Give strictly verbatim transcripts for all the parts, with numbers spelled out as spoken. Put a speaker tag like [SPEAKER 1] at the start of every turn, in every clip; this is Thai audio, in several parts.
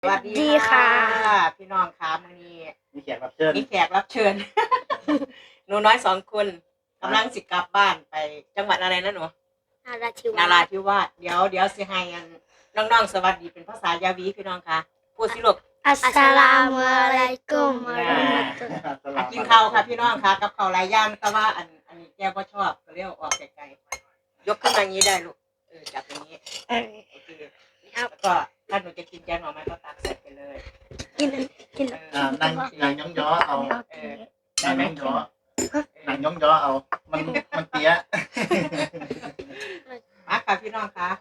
[SPEAKER 1] สวัสดีค่ะพี่น้องค่ะมื้อนี้
[SPEAKER 2] มีแขกรับเชิญ
[SPEAKER 1] มีแขกรับเชิญ หนูน้อยสองคนกำลังสิกลับบ้านไปจังหวัดอะไรนะหนู
[SPEAKER 3] นาราธิวาส
[SPEAKER 1] นาราธิวาสเดี๋ยวเดี๋ยวสิให้อันน้องๆสวัสดีเป็นภาษายาวีพี่น้องค่ะพูดสิลูก
[SPEAKER 3] อัสสลามุอะลัยกุมวะเราะมะตุลลอฮ์
[SPEAKER 1] อ่ะกินข้าวค่ะพี่น้องค่ะกับข้าวหลายอย่างแต่ว่าอันอันนี้แกบ่ชอบก็เรียกออกไกลๆยกขึ้นมาอย่างนี้ได้ลูกเออจับอย่างนี้โอเคแล้วก็ถ้าหนูจะกินแกงหน่อไม้ก็ตักใส่ไปเลย
[SPEAKER 3] กินกิน
[SPEAKER 1] เอ
[SPEAKER 2] อ่า
[SPEAKER 1] อ
[SPEAKER 2] นั่งนั่งย่องย้อเอา
[SPEAKER 1] เออ
[SPEAKER 2] นั่งย่องย้อนั่งย่องย้อเอา มันมันเตี้ย
[SPEAKER 1] มาค่ะพี่น้องค่ะ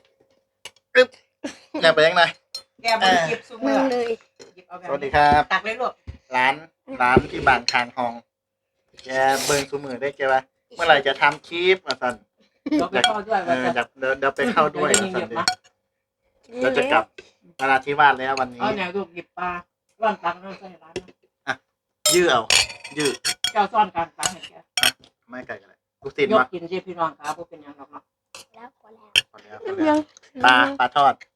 [SPEAKER 2] อย่าไปยังไง
[SPEAKER 1] แกบนหยิบซู
[SPEAKER 3] มึ
[SPEAKER 1] เมองร์
[SPEAKER 3] เลย
[SPEAKER 1] หยิบเอาแบบ
[SPEAKER 2] สวัสดีครับ
[SPEAKER 1] ตักเลยลูก
[SPEAKER 2] ร้านร้านที่บางคางทองแกเบิ่งซูมือได้แกว่าเมื่อไหร่จะทำคลิปมาสั่น
[SPEAKER 1] เดี๋ยวไปเข้าด้วย
[SPEAKER 2] เอ
[SPEAKER 1] ว่า
[SPEAKER 2] อ
[SPEAKER 1] จะ
[SPEAKER 2] เดี๋ยวเดี๋ยวเดี๋ยวไปเข้าด้วย
[SPEAKER 1] เดี๋
[SPEAKER 2] มา
[SPEAKER 1] ยวจะหยิ
[SPEAKER 2] สั่น
[SPEAKER 1] บ
[SPEAKER 2] เดี๋ยว
[SPEAKER 1] มา
[SPEAKER 2] เราจะกลับนราธิวาสแล้ววันนี้
[SPEAKER 1] เอาแนวลูกหยิบปลาร่อนตักน้องใส่ร้านนะ
[SPEAKER 2] ยื้อเอา ยื้อ
[SPEAKER 1] เจ้าซ่อนการตักให้แก
[SPEAKER 2] ไม่ไกลกันเลยลูกศิษย์
[SPEAKER 1] ยก
[SPEAKER 2] มา
[SPEAKER 1] กินสิพี่น้องค่ะพวกเป็นหยังดอกเนาะ
[SPEAKER 3] แล้วพอแล้ว
[SPEAKER 2] พอแล้วพอแล้วปลาปลาทอด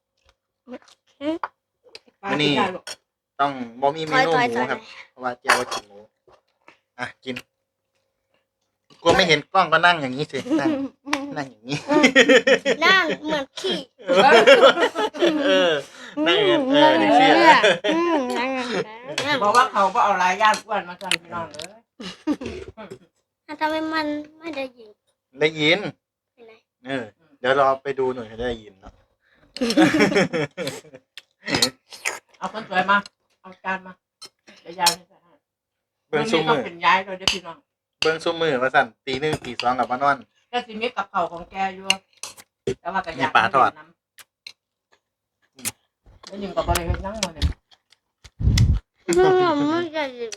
[SPEAKER 1] ปลา
[SPEAKER 2] มื้อนี้
[SPEAKER 1] ที่ได้ลูก
[SPEAKER 2] ต้องบ่มีเม
[SPEAKER 3] ถอย
[SPEAKER 2] นู
[SPEAKER 3] ถอย
[SPEAKER 2] ห
[SPEAKER 3] ถ
[SPEAKER 2] มู
[SPEAKER 3] อย
[SPEAKER 2] ครับ เพราะว่าเจ้าว่ากินหมูอ่ะกินกลัวไม่เห็นกล้องก็นั่งอย่างนี้สินั่งนั่งอย่างนี้
[SPEAKER 3] นั่งเหมือนขี้
[SPEAKER 2] เออนั่งอย่างเออนี่เสีย
[SPEAKER 3] อืมนั่งนั่ง
[SPEAKER 1] บอกว่าเขาบ่เอาหลายย่างอ้วนมาสั่นพี่น้องเลย
[SPEAKER 3] ทำไมมันไม่ได้ยิน
[SPEAKER 2] ได้ยิน
[SPEAKER 3] ไปไหน
[SPEAKER 2] เออเดี๋ยวรอไปดูหน่อยจะได้ยินเนาะ
[SPEAKER 1] เอาคนสวยมาเอาจานมาเดี๋ยวยายให้ใส่ให้
[SPEAKER 2] เบิ้ง
[SPEAKER 1] มื้
[SPEAKER 2] ซู
[SPEAKER 1] อนี้ต้
[SPEAKER 2] มื
[SPEAKER 1] อง
[SPEAKER 2] อ
[SPEAKER 1] เป็นย้ายเลยเด้อพี่น้อง
[SPEAKER 2] เบิ้งซูมือมาสั่นตีหนึ่งตีสองกับมานอน
[SPEAKER 1] แกสิมีกับเขาวของแกอยู่แต่ว่าก็อยาก
[SPEAKER 2] มีปลาทอด
[SPEAKER 1] น้ำแล้วยิงกับบริเวณนั่งมาเนี่ย
[SPEAKER 3] มันไม่ได้ยิน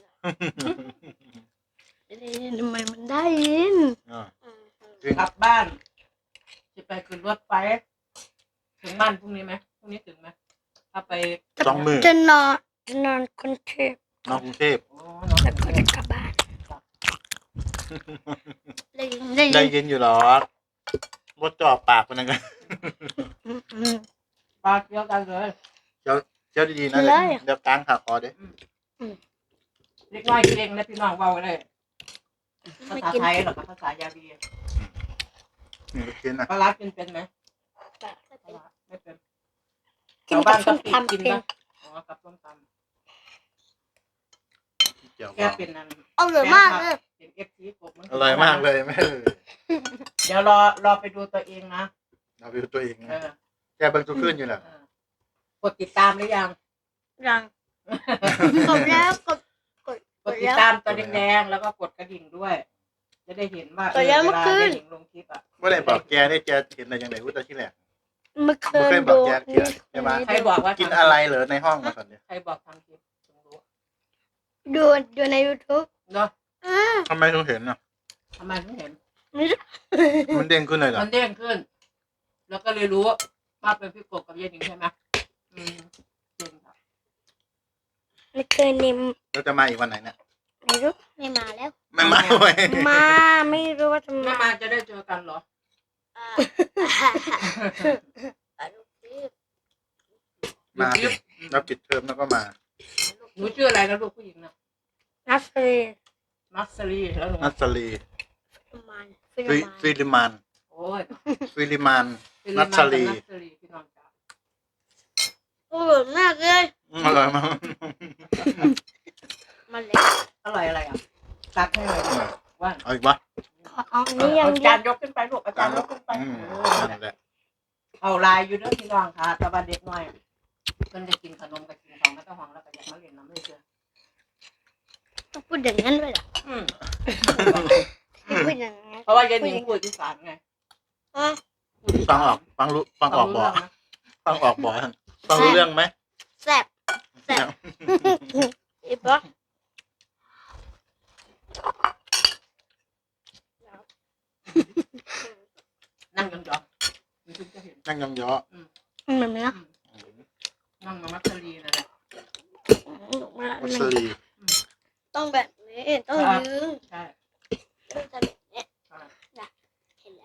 [SPEAKER 3] ได้ยินทำไมมันได้ยิน
[SPEAKER 2] อ่า
[SPEAKER 3] อืม
[SPEAKER 1] กลับบ้านจะไปขึ้นรถไฟถึงบ้านพรุ่งนี้ไหมพรุ่งนี้ถึงไหมถ้าไป
[SPEAKER 2] สองมือ
[SPEAKER 3] จะนอนจะนอนกรุงเทพ
[SPEAKER 2] น้องกรุงเทพ
[SPEAKER 1] โอ้น้อง
[SPEAKER 3] แล้วก็จะกลับบ้านได้ยินได้ยิ
[SPEAKER 2] ได้
[SPEAKER 3] น
[SPEAKER 2] ยินอยู่หรอกมดจ่อปากคนนั้นกัน
[SPEAKER 3] อืมอืม
[SPEAKER 1] ปลาเกี่ยวกันเลย
[SPEAKER 2] เจ้าเจ้าดีๆนะ
[SPEAKER 3] เลย
[SPEAKER 2] เดี๋ยวกลางขาคอเด้
[SPEAKER 1] เล็กน้อยเก่งนะพี่น้องเบาเลยภา
[SPEAKER 3] ไม่
[SPEAKER 1] ษา
[SPEAKER 3] กิน
[SPEAKER 1] ไทยหรอกภาษายาบี
[SPEAKER 2] นี่ลูกชิ้นนะ
[SPEAKER 1] ปลาร้ากินเป็นไหม
[SPEAKER 3] ปลา
[SPEAKER 1] ปลาร้าไม่เป็น
[SPEAKER 3] กิน
[SPEAKER 1] ชาว
[SPEAKER 3] กั
[SPEAKER 1] บ้า
[SPEAKER 3] บ
[SPEAKER 1] น
[SPEAKER 3] ส้
[SPEAKER 1] ก็
[SPEAKER 3] ม
[SPEAKER 1] กิน
[SPEAKER 3] ตำ
[SPEAKER 1] กิน
[SPEAKER 3] เป็น
[SPEAKER 1] นะอ๋อกับส้มต
[SPEAKER 2] เจียว
[SPEAKER 1] ำแกเป็นนั่น
[SPEAKER 3] อร่อยมากเลย
[SPEAKER 1] เป็นเอฟซีกบมัน
[SPEAKER 2] อร่อยมากเลยแม่
[SPEAKER 1] เดี๋ยวรอรอไปดูตัวเองนะ
[SPEAKER 2] เราไปดูตัวเอง
[SPEAKER 1] เอ
[SPEAKER 2] นะ
[SPEAKER 1] อ
[SPEAKER 2] แกเบิ่งทุกขึ้นอยู่แหละ
[SPEAKER 1] เออกดติดตามหรือยัง
[SPEAKER 3] ยังกดแล้วกดกด
[SPEAKER 1] กดติดตามตัวแดงๆแล้วก็กดกระดิ่งด้วย จะได้เห็นว่าเออเวลาได้เห็นลงคลิปอ่ะ
[SPEAKER 2] ว่าได้บอกแกได้แกเห็นอะไรอย่างไรพูดแต่ที่แรก
[SPEAKER 3] เมื่อคื
[SPEAKER 2] ไม่
[SPEAKER 3] น
[SPEAKER 2] เคยบอ
[SPEAKER 3] ดู
[SPEAKER 2] กแกเที่ยวใช่ไหม
[SPEAKER 1] ใครบอกว่า
[SPEAKER 2] กินอะไรเหรอในห้องมาสันเนี่ย
[SPEAKER 1] ใครบอกทำคลิปถึงรู้
[SPEAKER 3] ดูดูใน YouTube
[SPEAKER 1] เนาะ
[SPEAKER 3] อ่า
[SPEAKER 2] ทำไมถึงเห็นอ่ะ
[SPEAKER 1] ทำไมถึงเห็น
[SPEAKER 3] ไม่รู้
[SPEAKER 2] มันเด้งขึ้นเลยเหรอ
[SPEAKER 1] มันเด้งขึ้น แล้วก็เลยรู้ว่าเป็นพี่กบกับยายหนิงใช่ไหมอืมเด้งครับ
[SPEAKER 3] ไม่เคยนิม
[SPEAKER 2] เราจะมาอีกวันไหนเนี่ย
[SPEAKER 3] ไม่รู้ไม่มาแล้ว
[SPEAKER 2] ไม่มาเว้ย
[SPEAKER 3] มาไม่รู้ว่าจะ
[SPEAKER 1] แม่
[SPEAKER 3] มา
[SPEAKER 1] มาจะได้เจอกันเหรอ
[SPEAKER 3] อ่าอ่าลูกพี่
[SPEAKER 2] มาสิเราปิดเทอมแล้วก็มา
[SPEAKER 1] หนูชื่ออะไรนะลูกผู้หญิงนะ
[SPEAKER 3] นัสเซอร์
[SPEAKER 1] มัสซรีแล้วหนู
[SPEAKER 2] นัสลี
[SPEAKER 3] ฟิลมานฟิล
[SPEAKER 2] ฟิ
[SPEAKER 3] มาน
[SPEAKER 2] ฟิลิมาน
[SPEAKER 1] โอ้ย
[SPEAKER 2] ฟิลิมาน
[SPEAKER 1] ฟิลิ
[SPEAKER 2] นั
[SPEAKER 1] ป
[SPEAKER 2] ส
[SPEAKER 1] ปิ
[SPEAKER 2] ลี
[SPEAKER 1] นส์กับนัสซรีพี่น้องจ๋า
[SPEAKER 3] โอ้โหมากเลย
[SPEAKER 2] อืมอร่อยมาก
[SPEAKER 3] มาเลย
[SPEAKER 1] อร่อยอะไรอ่ะตักให้เลยว่า
[SPEAKER 2] เอาอีกปะ
[SPEAKER 3] ขอเอานี่ยัง
[SPEAKER 1] เอา
[SPEAKER 3] เดี
[SPEAKER 1] จา
[SPEAKER 3] ยว
[SPEAKER 1] นยกขึ้นไปลูกอาจารย์ยกขึ้นไป
[SPEAKER 2] อืม
[SPEAKER 1] เออ
[SPEAKER 2] นั่นแหละ
[SPEAKER 1] เอาลายอยู่เด้อพี่น้องค่ะแต่ว่าเด็กน้อยมันจะกินขนมกับกินของไม่ต้องห่วงแล้วก็อยากมาเล่นน้ำเลยเชียว
[SPEAKER 3] ต้องพูดอย่างนั้นเลยเหรอ
[SPEAKER 1] อืม
[SPEAKER 3] พูดอย่างนั้น
[SPEAKER 1] เพราะว่ายายหนิงพูดอีสานไง
[SPEAKER 3] อ่ะ
[SPEAKER 1] พูดอี
[SPEAKER 2] ฟั
[SPEAKER 1] สาง น
[SPEAKER 2] ออกฟังรู้ฟังออกบ่
[SPEAKER 1] รู้เรื่งนะ
[SPEAKER 2] ฟังออกบ่ฟังรู้เรื่องไหม
[SPEAKER 3] แซ่บแซ่บอีบอส
[SPEAKER 1] นั่งยองๆมันถึงจะเห็น
[SPEAKER 2] นั่งยองย้อ
[SPEAKER 3] เหมือนไหมนะ
[SPEAKER 1] นั่งมามัสลีนั่นแหละ
[SPEAKER 2] มัสลี
[SPEAKER 3] ต้องแบบนี้ต้องยืน
[SPEAKER 1] ใช่
[SPEAKER 3] ต้องจะแบบนี้
[SPEAKER 1] ใช่
[SPEAKER 3] เห็นแล้ว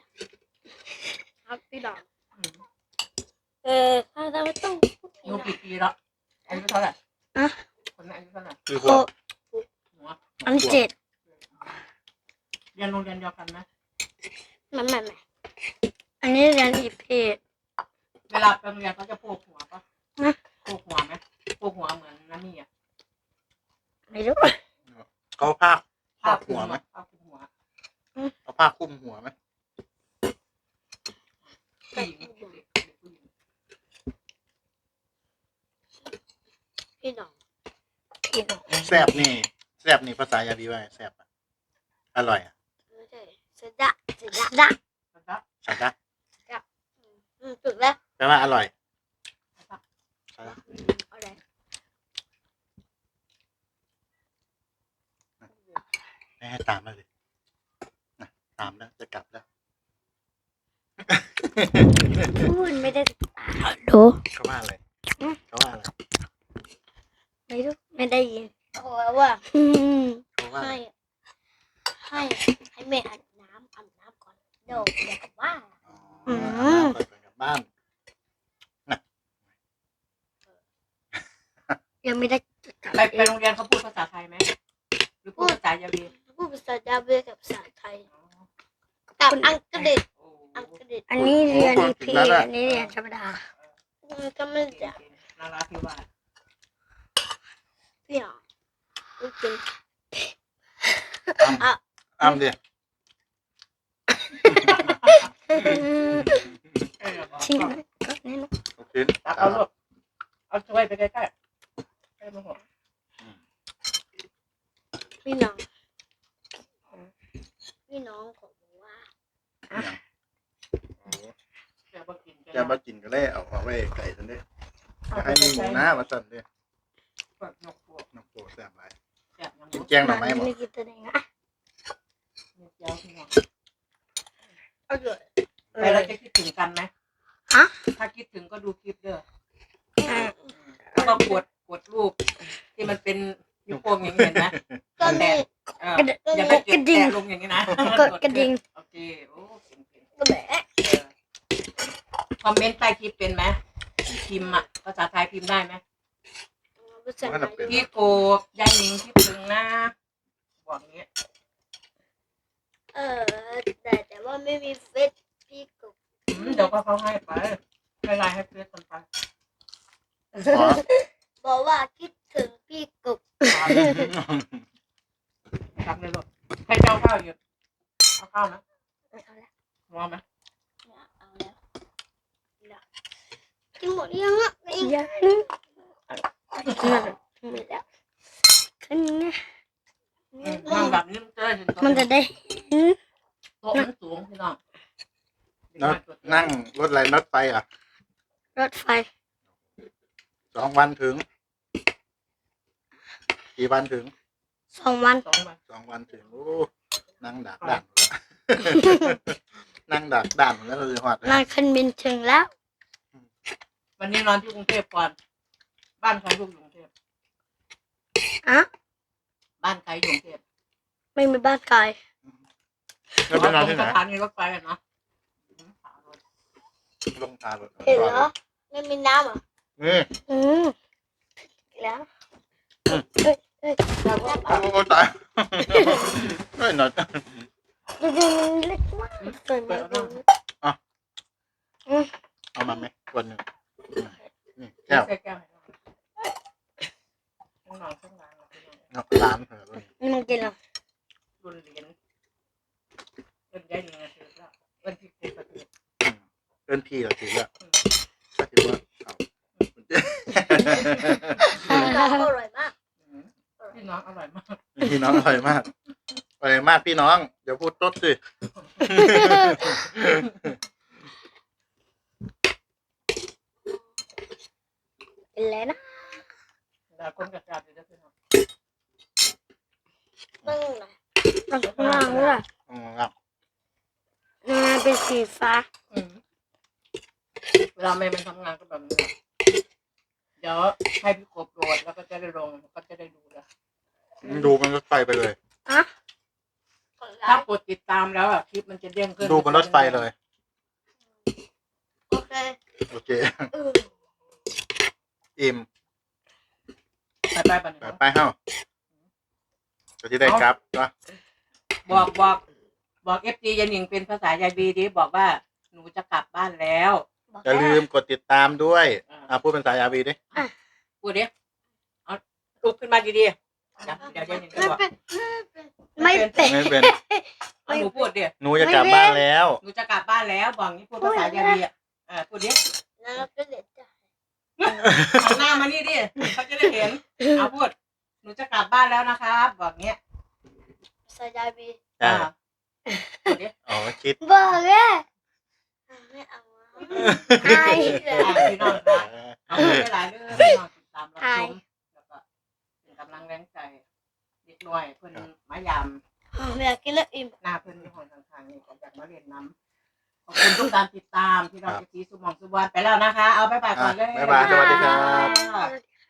[SPEAKER 3] ครับพี่ดอก
[SPEAKER 1] อืม
[SPEAKER 3] เออถ้าเราต้องพูด
[SPEAKER 1] หนูกี่ปีแล้วอายุเท่าไหร่
[SPEAKER 3] อะ
[SPEAKER 1] คนนั้นอายุเท่าไหร่
[SPEAKER 2] คือ
[SPEAKER 3] โค
[SPEAKER 2] หัว
[SPEAKER 1] หัว
[SPEAKER 3] อันเจ็ด
[SPEAKER 1] เรียนโรงเรียนเดียวกันไหม
[SPEAKER 3] มันไม่ไม่อันนี้เรียนอีเพศ
[SPEAKER 1] เวลาไปโรงเรียนเขาจะโพกหัวปะ
[SPEAKER 3] นะ
[SPEAKER 1] โพกหัวไหมโพกหัวเหมือนน้ำมีอ่ะ
[SPEAKER 3] ไม่รู้
[SPEAKER 2] เขาผ้า
[SPEAKER 1] ผ้า
[SPEAKER 2] ผ้า
[SPEAKER 1] คลุ
[SPEAKER 2] หัว
[SPEAKER 1] ม
[SPEAKER 2] ไหม
[SPEAKER 1] อะผ้าคลุมหัว
[SPEAKER 2] เอาผ้าคลุมหัวไหม
[SPEAKER 1] ผู้หญิงเด็กเด็กผู้หญิง
[SPEAKER 3] พี่น้องพี่น้อง
[SPEAKER 2] แซบนี่แซบนี่ภาษายาบีว่าไงแซบอะอร่อยอ่ะ
[SPEAKER 3] ไม่ใช่สะดะสะดะดะ
[SPEAKER 1] นะครับ
[SPEAKER 2] สาดะ
[SPEAKER 3] อืมถูกแล้ว
[SPEAKER 2] แปลว่าอร่อยสาดะ
[SPEAKER 3] อะไร
[SPEAKER 2] ไม่ให้ตามมาเลยนะตามแล้วจะกลับแล้ว
[SPEAKER 3] พูดไม่ได้รู้
[SPEAKER 2] เขาว่าอะไรเขาว่าอะไร
[SPEAKER 3] ไม่รู้ไม่ได้ยินเขาบอกว่าอืม
[SPEAKER 2] เขาว่าอะ
[SPEAKER 3] ให้
[SPEAKER 2] ไร
[SPEAKER 3] ให้ให้แม่อาบน้ำอาบน้ำก่อนเดี๋ยวเดี๋ยวกลับบ้าน
[SPEAKER 2] อ๋อ
[SPEAKER 3] อืม
[SPEAKER 2] อาบน้ำก่อนไปกลับบ้าน
[SPEAKER 3] ยังไม่ได้กลับ
[SPEAKER 1] ไปไปโรงเรียนเขาพูดภาษาไทยไหมหรือพูดภาษายาวี
[SPEAKER 3] พูดภาษาดาเบกับภาษาไทยกับอังกฤษ
[SPEAKER 1] โอ้
[SPEAKER 3] อังกฤษอันนี้เรียนอีพีอันนี้เรียนธรรมดามันก็ไม่จะ
[SPEAKER 1] นาราธิวาส
[SPEAKER 3] พี่น้องลูกกิน
[SPEAKER 2] อ้ำอ้ำดิ
[SPEAKER 1] เออบอก
[SPEAKER 3] ชิมก็นี่นะ
[SPEAKER 2] โอเค
[SPEAKER 1] ตักเอาลูกเอาช่วยไปใกล้ๆใกล้มาหัว
[SPEAKER 3] พี่น้องพี่น้องของบอกว่า
[SPEAKER 1] แกบ่กิน
[SPEAKER 2] จะมากินก็เลยเอาเอาไว้ไก่สันเด้จะให้มีหมูหน้ามาสั่นเด้
[SPEAKER 1] เปิดนกพวก
[SPEAKER 2] น้ำโปแซ่บหลาย
[SPEAKER 1] แซ่บน้ำ
[SPEAKER 2] กิน
[SPEAKER 1] มัน
[SPEAKER 2] แกงหน่อไม้หมด
[SPEAKER 3] ไม่กินตัวเองอ่ะ
[SPEAKER 1] เม็ดยาวพี่น้อง
[SPEAKER 3] เอาเลย
[SPEAKER 1] ไปแล้วจะคิดถึงกันไหม
[SPEAKER 3] ฮะ
[SPEAKER 1] ถ้าคิดถึงก็ดูคลิปเด้อ
[SPEAKER 3] อ่า
[SPEAKER 1] แล้วก็กดกดรูปที่มันเป็นนิ้วโป้งอย่างนี้เห็นไหม
[SPEAKER 3] ก็มี
[SPEAKER 1] เอออย่าไปเก็บแตะลงอย่างนี้นะ
[SPEAKER 3] กดกระดิ่ง
[SPEAKER 1] โอเคโอ้เก่งๆ
[SPEAKER 3] ก็แบบ
[SPEAKER 1] เออคอมเมนต์ใต้คลิปเป็นไหมพิมพ์อะภาษาไทยพิมพ์ได้ไหม
[SPEAKER 3] ภาษาไทย
[SPEAKER 1] พี่โกบยายหนิงคิดถึงนะบอกอย่างเงี้ย
[SPEAKER 3] เออแต่แต่ว่าไม่มีเฟซพี่กบ
[SPEAKER 1] อืมเดี๋ยวก็เขาให้ไปไม่ไลน์ให้เพื่อนคนไป
[SPEAKER 2] ขอ
[SPEAKER 3] บอกว่าคิดถึงพี่กบ
[SPEAKER 1] ทำเลยลูกให้เจ้าข้าวอยู่เอาข้าวนะ
[SPEAKER 3] ไม่เอาแล้ว
[SPEAKER 1] มองไหม
[SPEAKER 3] ไม่เอาแล้วกินหมดยังอ่ะยังหมดแล้วขึ้นนะ
[SPEAKER 1] อืมนั่งแบบนี้มันจะได้เห็น
[SPEAKER 3] มันจะได้เห็น
[SPEAKER 1] โต๊ะมันสูงพี่น้อง
[SPEAKER 2] นั่งนั่งรถอะไรรถไฟอ่ะ
[SPEAKER 3] รถไฟ
[SPEAKER 2] สองวันถึง กี่วันถึง
[SPEAKER 3] สองวัน
[SPEAKER 1] สองวัน
[SPEAKER 2] สองวันถึงโอ้นั่งดักด่านหมดแล้ว นั่งดักด่านหมดแล้วเลยหอด
[SPEAKER 3] นั่งขึ้นบินถึงแล้ว
[SPEAKER 1] วันนี้นอนที่กรุงเทพก่อน บ้านใครลูกอยู่กรุงเทพ
[SPEAKER 3] อะ
[SPEAKER 1] บ้านใครอยู่กรุงเทพ
[SPEAKER 3] ไม่มีบ้านไกล
[SPEAKER 2] แล้วไปนอนที่ไหน
[SPEAKER 1] สถานีรถไฟอะเนาะอืมหารถ
[SPEAKER 2] ลงทางรถ
[SPEAKER 3] เห็นเหรอไม่มีน้ำเหรอ
[SPEAKER 2] นี่
[SPEAKER 3] อืมแล้ว
[SPEAKER 1] แล้วก็
[SPEAKER 2] โอ้โหตายเฮ้ยหน่อย
[SPEAKER 3] ดูดูมันเล็กมากสวยมากเลย
[SPEAKER 2] เอามาไหมคนหนึ่งนี่แก้ว
[SPEAKER 1] ใส่แก้วให้น้องข้างนอกข้างหลังเราพี่น้อง
[SPEAKER 2] เนาะร้านเหรอรุ่น
[SPEAKER 3] นี่มันกินเหรอ
[SPEAKER 1] รุ่นเหรียญเอิ้นได้หนึ่งนาทีแล้วเอิ้นพี่เด็กประเทศ
[SPEAKER 2] อืมเอิ้นพี่เราถือว่าก็ถือว่าเอา
[SPEAKER 3] อร่อยมาก
[SPEAKER 1] อืมพี่น้องอร่อยมาก
[SPEAKER 2] พี่น้องอร่อยมากอร่อยมากพี่น้องเดี๋ยวพูดต๊ดสิ
[SPEAKER 3] เป็นแล้วนะ
[SPEAKER 1] แล้วคนกระจายอยู่ด้วยพี่น้อง
[SPEAKER 3] ตั้งไหนตั้งข้างล่างด้วย
[SPEAKER 2] อืมครับ
[SPEAKER 3] มันเป็นสีฟ้า
[SPEAKER 1] อืมเวลาแม่มันทำงานก็แบบนี้แหละเดี๋ยวให้พี่กบโหลดแล้วก็จะได้ลงก็จะได้ดูแล้ว
[SPEAKER 2] ดูมันรถไฟไปเลย
[SPEAKER 3] อะ
[SPEAKER 1] ถ้ากดติดตามแล้วอ่ะคลิปมันจะเด้งขึ้น
[SPEAKER 2] ดูบนรถไฟเลย
[SPEAKER 3] โอเค
[SPEAKER 2] โอเค
[SPEAKER 3] เออ
[SPEAKER 2] อิ่ม
[SPEAKER 1] ไปไปบัน
[SPEAKER 2] ไปไปเฮ้าก็ที่ได้ครับก็
[SPEAKER 1] บอกบอกบอกเอฟจียันหนิงเป็นภาษายายบีดิบอกว่าหนูจะกลับบ้านแล้ว
[SPEAKER 3] บอก
[SPEAKER 2] อย่าลืมกดติดตามด้วย
[SPEAKER 1] อ่า
[SPEAKER 2] อ่ะพูดเป็นสายอาบีดิ
[SPEAKER 1] พูดดิเอาลุกขึ้นมาดีๆเดี๋ยวเดี๋ยวยันหนิงจะ
[SPEAKER 3] ไม่
[SPEAKER 1] บอก
[SPEAKER 3] เป็นไม่เป็น
[SPEAKER 2] ไม่เป็น
[SPEAKER 1] เอาหนูพูดดิ
[SPEAKER 2] หนูจะกลับบ้านแล้ว
[SPEAKER 1] หนูจะกลับบ้านแล้วบอกงี้พูดภาษายายบีอ่ะอ่าพูดดิ
[SPEAKER 3] แล้วเราก็เลยจะ
[SPEAKER 1] หันหน้ามานี่ดิเขาจะได้เห็นเอาพูดหนูจะกลับบ้านแล้วนะครับบอกเงี้ย
[SPEAKER 3] ใส่ยายบี
[SPEAKER 2] อ่า
[SPEAKER 1] อ่าพูดดิ
[SPEAKER 2] อ๋อคิด
[SPEAKER 3] บอกเลยไม่เอาอาย
[SPEAKER 1] อ่าพี่น้องครับเอาพูดได้หลายเรื่องพี่น้องติดตามรับชมแล้วก็เป็นกำลังแรงใจเด็กน้อยเพิ่นมายาม
[SPEAKER 3] ไม่อยากกินแล้วอิ่ม
[SPEAKER 1] หน้าเพิ่นที่ห้องทางๆนี่ก็อยากมาเรียนน้ำขอบคุณทุกการติดตามพี่น้องที่สีสุมองสุวรรณไปแล้วนะคะ เอาบ๊ายบายก่อนเลย
[SPEAKER 2] บ๊ายบายสวัสดีครับ
[SPEAKER 3] สวัสดี